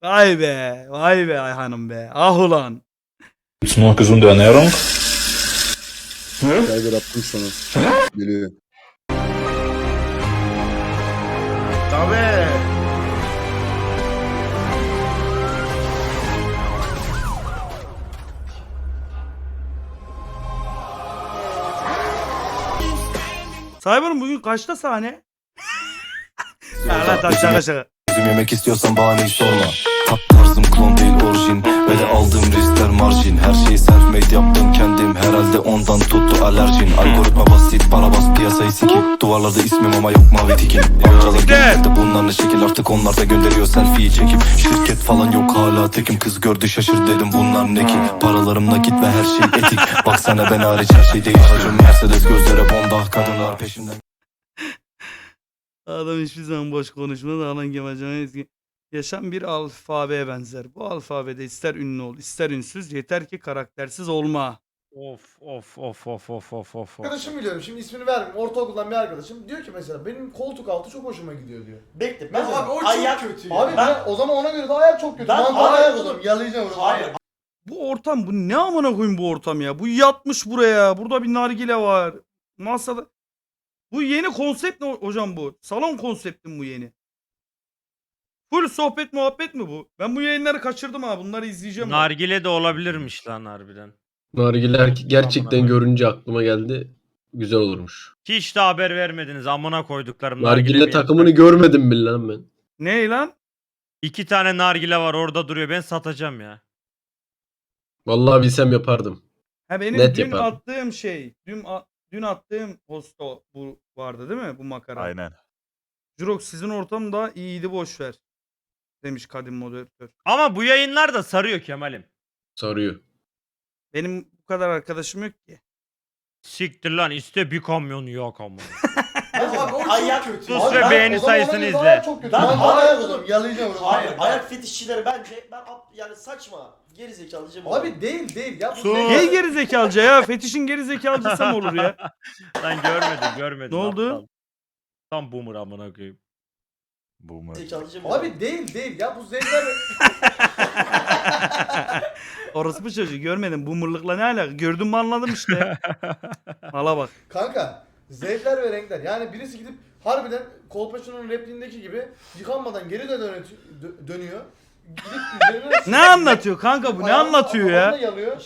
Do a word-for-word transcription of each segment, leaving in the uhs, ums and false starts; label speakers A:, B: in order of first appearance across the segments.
A: Vay be. Vay be Ayhan'ım be. Ah ulan.
B: Gibt's noch gesunde Ernährung?
C: Geiger attım sana. Geliyor.
D: Tabii.
A: Cyber'ın bugün kaçta sahne? Ya lan tabii şaka şaka.
E: Üzüm yemek istiyorsan bahaneyi sorma. Ta tarzım klon değil orijin. Ve de aldığım riskler marjin. Her şeyi self-made yaptım kendim. Herhalde ondan tuttu alerjin. Algoritma basit, para bas piyasayı sikip. Duvarlarda ismim ama yok mavi tikim. Amcalar geldi bunlar ne şekil, artık onlar da gönderiyor selfie'yi çekip. Şirket falan yok hala tekim. Kız gördü şaşır dedim bunlar ne ki. Paralarım nakit ve her şey etik. Baksana ben hariç her şey değil. Hacım Mercedes gözlere bomba. Kadınlar peşimden.
A: Adam hiçbir zaman boş konuşmaz. Alan Kemalcan'a eski. Yaşam bir alfabeye benzer. Bu alfabede ister ünlü ol, ister ünsüz, yeter ki karaktersiz olma.
F: Of of of of of of of.
D: Arkadaşım biliyorum, şimdi ismini vermeyeyim. Ortaokuldan bir arkadaşım diyor ki mesela benim koltuk altı çok hoşuma gidiyor diyor.
G: Bekle.
D: Ben
G: Mesela,
D: abi o çok
G: ayak
D: kötü
G: ya.
D: Abi ben,
G: Ben-
D: o zaman ona göre de ayak çok kötü.
G: Ben
D: Ben
G: ayak
D: ayak
G: oğlum.
D: oldum, yalayacağım onu.
G: Hayır.
A: Bu ortam, bu ne amına koyayım bu ortam ya? Bu yatmış buraya. Burada bir nargile var. Masada. Bu yeni konsept ne hocam bu? Salon konseptim bu yeni. Full sohbet muhabbet mi bu? Ben bu yayınları kaçırdım ha. Bunları izleyeceğim. ben.
F: Nargile de olabilirmiş lan harbiden.
H: Nargiler gerçekten
F: Amına
H: görünce aklıma geldi. Güzel olurmuş.
F: Hiç de haber vermediniz amına koyduklarım.
H: Nargile
F: bir
H: takımını
F: yer-
H: görmedim mi lan ben?
A: Ne lan?
F: İki tane nargile var orada duruyor, ben satacağım ya.
H: Vallahi bilsem yapardım.
A: Ha benim
H: Net
A: dün
H: yaparım.
A: attığım şey. Dün a- dün attığım posta bu vardı değil mi? Bu makara.
I: Aynen.
A: Jurok sizin ortam da iyiydi, boş ver. Demiş kadim moderatör.
F: Ama bu yayınlar da sarıyor Kemal'im.
H: Sarıyor.
A: Benim bu kadar arkadaşım yok ki.
F: Siktir lan, iste bir kamyon yok ama.
D: Abi o çok
G: Ayak-
D: kötü.
F: Sus
D: Abi
F: ve
D: ben-
F: beğeni
D: o zaman ona
F: sayısını
D: göre de
F: izle.
D: ayak çok kötü.
G: Ben
D: Ben,
G: ayak
D: ayak
G: oldum.
D: oldum, yalayacağım onu.
G: Hayır, ayak fetişçileri bence ben ap- yani saçma, geri zekalı diyeceğim.
D: Abi değil değil ya. Bu
F: Sus.
D: zevk-
A: Hey geri zekalıca ya. Fetişin geri zekalıcısı mı olur ya?
F: Lan görmedim görmedim.
A: Ne oldu?
F: aptal. Tam boomer amına koyayım.
I: Boomer.
G: zekalı diyeceğim.
D: Abi değil değil ya bu zevkler.
A: Orospu çocuğu görmedim. Bu mırlıkla ne alaka? Gördüm mü anladım işte. Mala bak.
D: Kanka zevkler ve renkler. Yani birisi gidip harbiden Kolpaçino'nun repliğindeki gibi yıkanmadan geri de dönü- dö- dönüyor. Gidip üzerine
A: Ne anlatıyor kanka bu? Ne
D: ayağını
A: anlatıyor
D: kafasına
A: ya?
D: yalıyor.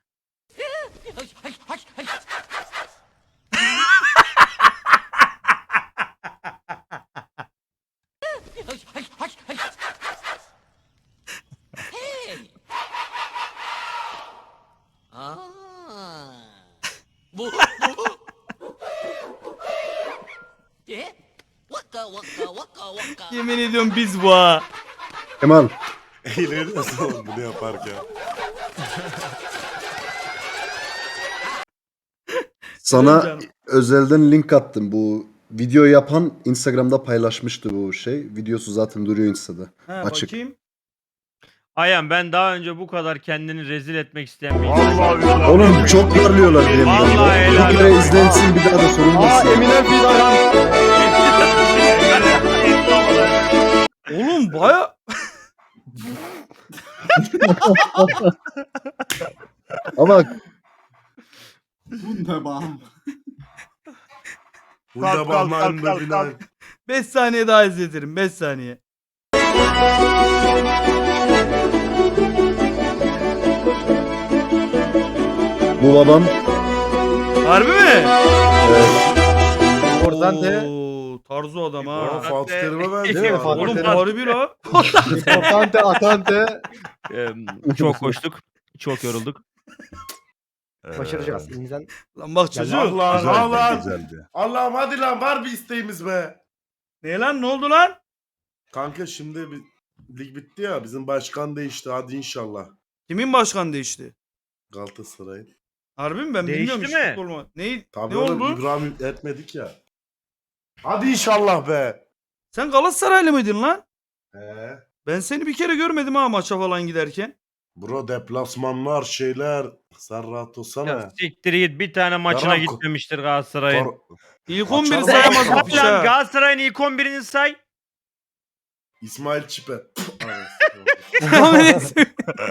J: Bu bu. E? Vaka vaka vaka vaka.
A: Yemin ediyorum biz bu ha.
C: Kemal.
I: Eğleniyorsun oğlum bunu yaparken.
C: Sana
A: Canım.
C: özelden link attım. Bu video yapan Instagram'da paylaşmıştı bu şey. Videosu zaten duruyor Insta'da.
A: Ha,
C: Açık.
A: bakayım.
F: Ayhan, ben daha önce bu kadar kendini rezil etmek isteyen bir
I: Vallahi
F: insan-
I: ya.
C: Oğlum çok darlıyorlar diye.
F: Vallahi helal
C: Bir kere
F: olsun.
C: izlensin bir daha da sorulmasın.
A: Oğlum baya...
C: Ama
I: Burada
F: Kalk, kalk,
I: bakmayın
F: kalk,
I: da
F: kalk,
I: filan.
F: kalk.
A: beş saniye daha izletirim. beş saniye.
C: bu babam
A: Harbi mi?
D: Oradan de-
A: Oo, tarzı adam
I: Oğlum
A: ha.
I: Fatih Terim'e
F: Değil mi?
I: benziyor.
F: Fatih
A: Oğlum
F: Terim.
A: harbi la.
D: Atante atante.
F: Çok koştuk. Çok yorulduk.
D: Başaracağız elimizden.
A: Lan bak çocuğum.
I: Allah Güzeldi, Allah. güzeldi.
D: Allah'ım hadi lan var bir isteğimiz be.
A: Ne lan, ne oldu lan?
I: Kanka şimdi bir, lig bitti ya, bizim başkan değişti, hadi inşallah.
A: Kimin başkan değişti?
I: Galatasaray.
A: Harbi mi? Ben
F: Değişti
A: bilmiyorum hiç
F: mi?
A: futbol mu? Ne,
I: Tabii
A: ne
I: oğlum
A: oldu?
I: İbrahim etmedik ya. Hadi inşallah be.
A: Sen Galatasaraylı mıydın lan?
I: He.
A: Ben seni bir kere görmedim ha maça falan giderken.
I: Bro deplasmanlar şeyler. Sen rahat olsana.
F: Ya siktir git, bir tane maçına
I: Yarak-
F: gitmemiştir Galatasaray'ın.
I: Kor-
A: İlk
I: Açalım.
A: on biri sayamaz bu
F: Lan
A: piç ha.
F: Galatasaray'ın ilk on birini say.
I: İsmail Çipe.
A: Ama neyse.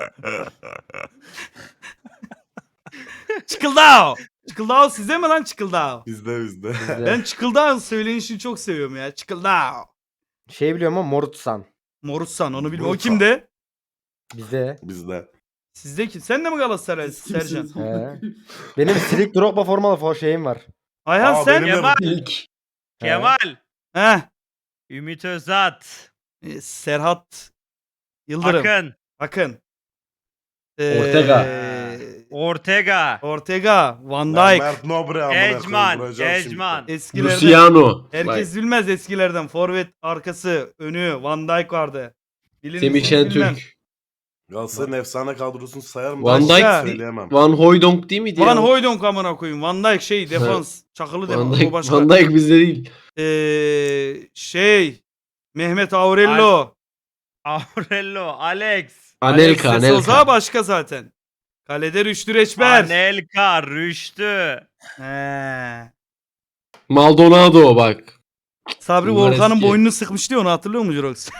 A: Çıkıldao. Çıkıldao size mi lan Çıkıldao?
I: bizde bizde.
A: Ben Çıkıldao söylenişini çok seviyorum ya. Çıkıldao.
K: Şey biliyorum ama Morutsan.
A: Morutsan onu bilmiyorum. O
I: Morutsan.
A: kimde?
K: Bizde.
I: bizde.
A: Sizde kim? Sen de mi Galatasaray Sercan?
K: He. Benim Silik Drogba formalı for şeyim var.
A: Ayhan
I: Aa,
A: sen?
I: benim de
F: Kemal.
H: İlk.
F: Kemal.
A: Heh.
F: Ümit Özat.
A: E, Serhat Yıldırım.
F: Akın.
A: Akın.
H: Ortega.
F: Ortega.
A: Ortega. Van
I: Lan
A: Dijk.
I: Mert Nobre amına koyayım,
F: Ecman.
I: vuracağım şimdi.
F: Ecman.
A: Eskilerden.
H: Luciano.
A: Herkes bilmez eskilerden. Forvet arkası, önü, Van Dijk vardı. Bilinir
H: Semih
A: mi bilmem.
H: Şentürk.
I: Galatasaray'ın efsane kadrosunu sayar mı?
H: Van
A: Dijk-
I: Ben söyleyemem.
H: Van Hooijdonk değil miydi
A: Van
H: ya?
A: Hooijdonk amına koyayım. Van Dijk şey defans. Çakılı
H: Van
A: defans. O
H: Dijk,
A: başka.
H: Van Dijk bizde değil.
A: Ee, şey Mehmet Aurello.
F: Aurello. Alex.
H: Anelka,
A: Alexis Souza
H: Anelka.
A: başka zaten. Kalede Rüştü Reçber.
F: Anelka. Rüştü.
A: He.
H: Maldonado bak.
A: Sabri
H: Bunlar
A: Volkan'ın
H: eski.
A: boynunu sıkmıştı ya, onu hatırlıyor musun Jirox?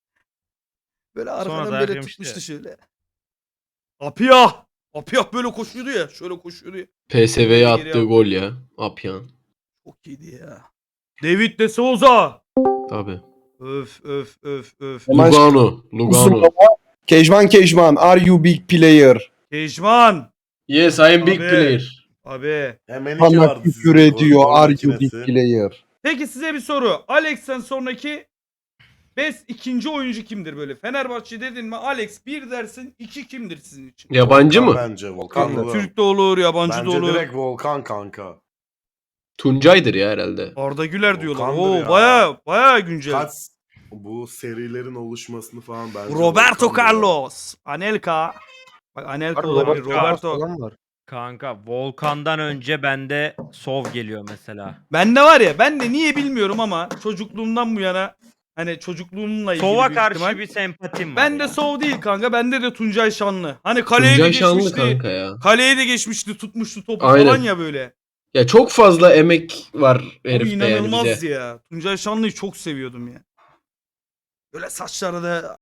A: Böyle arkadan
F: Sonra
A: böyle
F: dayak yemişti.
A: tutmuştu şöyle. Apiyah. Apiyah böyle koşuyordu ya. Şöyle koşuyordu ya.
H: P S V'ye
A: Geri
H: attığı
A: al.
H: gol ya. Apyan.
A: Çok iyiydi ya. David de Souza.
H: Tabi.
A: Öf öf öf öf.
H: Lugano. Lugano.
C: Kejman Kejman, are you big player?
A: Kejman.
H: Yes, I am big
A: Abi.
H: player.
A: Abi.
I: Hemen iki
C: Bana
I: vardı
C: küfür
I: sizin
C: ediyor,
I: gol
C: are you big
I: makinesi.
C: player?
A: Peki size bir soru. Alex'ten sonraki best ikinci oyuncu kimdir böyle? Fenerbahçe dedin mi Alex bir dersin, iki kimdir sizin için?
H: Yabancı
I: Volkan
H: mı?
I: Bence Volkan da.
A: Türk de olur, yabancı
I: Bence
A: da olur.
I: direkt Volkan kanka.
H: Tuncay'dır ya herhalde.
A: Arda Güler diyorlar.
I: Volkan'dır
A: Oo
I: ya.
A: baya baya güncel.
I: Kaç bu serilerin oluşmasını falan bence
A: Roberto
I: Volkan'dır ya.
A: Carlos. Anelka. Bak Anelka
K: Var,
A: olabilir.
K: Roberto Carlos
A: Roberto.
K: falan var.
F: Kanka Volkan'dan önce bende Sov geliyor mesela.
A: Bende var ya, ben de niye bilmiyorum ama çocukluğumdan bu yana hani çocukluğumla ilgili
F: Sov'a
A: büyük
F: karşı
A: ihtimal.
F: bir sempatim var.
A: Ben de
F: ya.
A: Sov değil kanka. Bende de Tuncay Şanlı. Hani kaleye de
H: Tuncay Şanlı
A: geçmişti.
H: kanka ya.
A: Kaleye de geçmişti, tutmuştu topu
H: Aynen.
A: falan ya böyle.
H: Ya çok fazla emek var
A: O
H: herifte yani
A: inanılmaz
H: bize.
A: ya. Tuncay Şanlı'yı çok seviyordum ya. Böyle saçları da